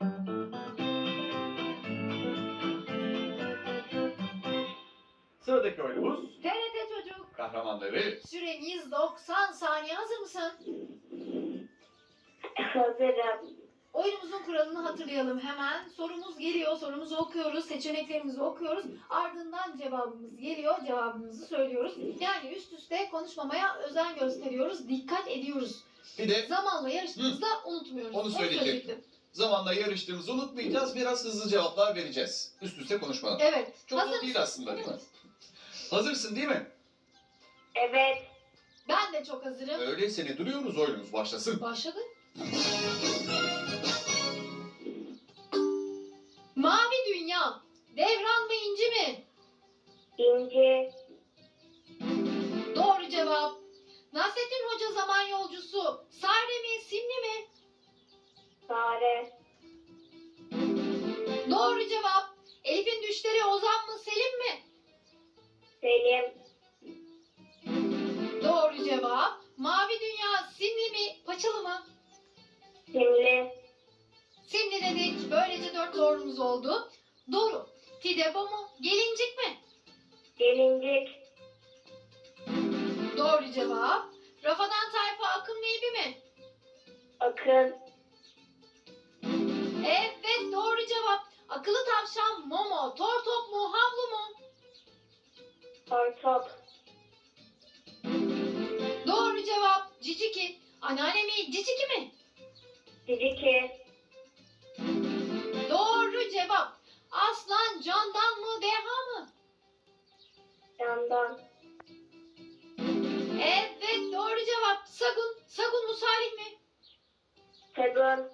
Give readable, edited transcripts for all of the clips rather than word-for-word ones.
Sıradaki oyunumuz TRT Çocuk. kahramanları. Süreniz 90 saniye. Hazır mısın? Hazırım. Oyunumuzun kuralını hatırlayalım hemen. Sorumuz geliyor, sorumuzu okuyoruz, seçeneklerimizi okuyoruz. Ardından cevabımız geliyor, cevabımızı söylüyoruz. Yani üst üste konuşmamaya özen gösteriyoruz, dikkat ediyoruz. Bir de Zamanla yarıştığımızda unutmuyoruz. Onu söyleyecektim. Zamanla yarıştığımızı unutmayacağız. Biraz hızlı cevaplar vereceğiz. Üst üste konuşmadan. Evet. Çok zor değil aslında, değil mi? Hazırsın değil mi? Evet. Ben de çok hazırım. Öyleyse ne duruyoruz, oyunumuz başlasın. Başladı. Mavi Dünya. Devran mı İnci mi? İnci. Doğru cevap. Nasrettin Hoca zaman yolcusu. Sare mi Simli mi? Sare. Doğru cevap. Elif'in düşleri Ozan mı Selim mi? Selim. Doğru cevap. Mavi Dünya Simli mi Paçalı mı? Simli. Simli dedik. Böylece 4 doğrumuz oldu. Doğru. Fidebo mu? Gelincik mi? Gelincik. Doğru cevap. Rafadan Tayfa Akın mı İbi mi? Akın. Evet doğru cevap. Akıllı tavşan Momo. Tortop mu havlu mu? Tortop. Doğru cevap. Ciciki. Anneanne mi Ciciki mi? Ciciki. Doğru cevap. Aslan Candan mı Deha mı? Yandan. Evet doğru cevap. Sagun. Sagun mu Salih mi? Segun.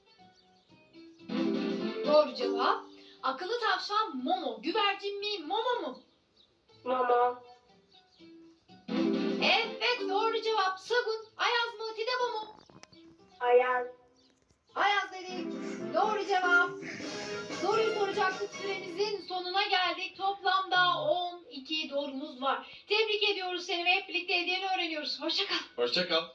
Doğru cevap. Akıllı tavşan Momo. Güvercin mi Momo mu? Momo. Evet doğru cevap. Sagun. Ayaz mı Tidebo mu? Ayaz. Ayaz dedik. Doğru cevap. Soruyu soracaktık, süremizin sonuna geldik. Toplamda 12 doğrumuz var. Tebrik ediyoruz seni ve hep birlikte hediyeni öğreniyoruz. Hoşça kal. Hoşça kal.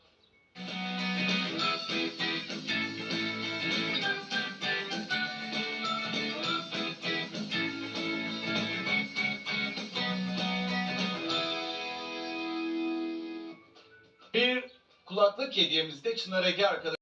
Bir kulaklık hediyemiz de Çınar Ege arkadaşlar.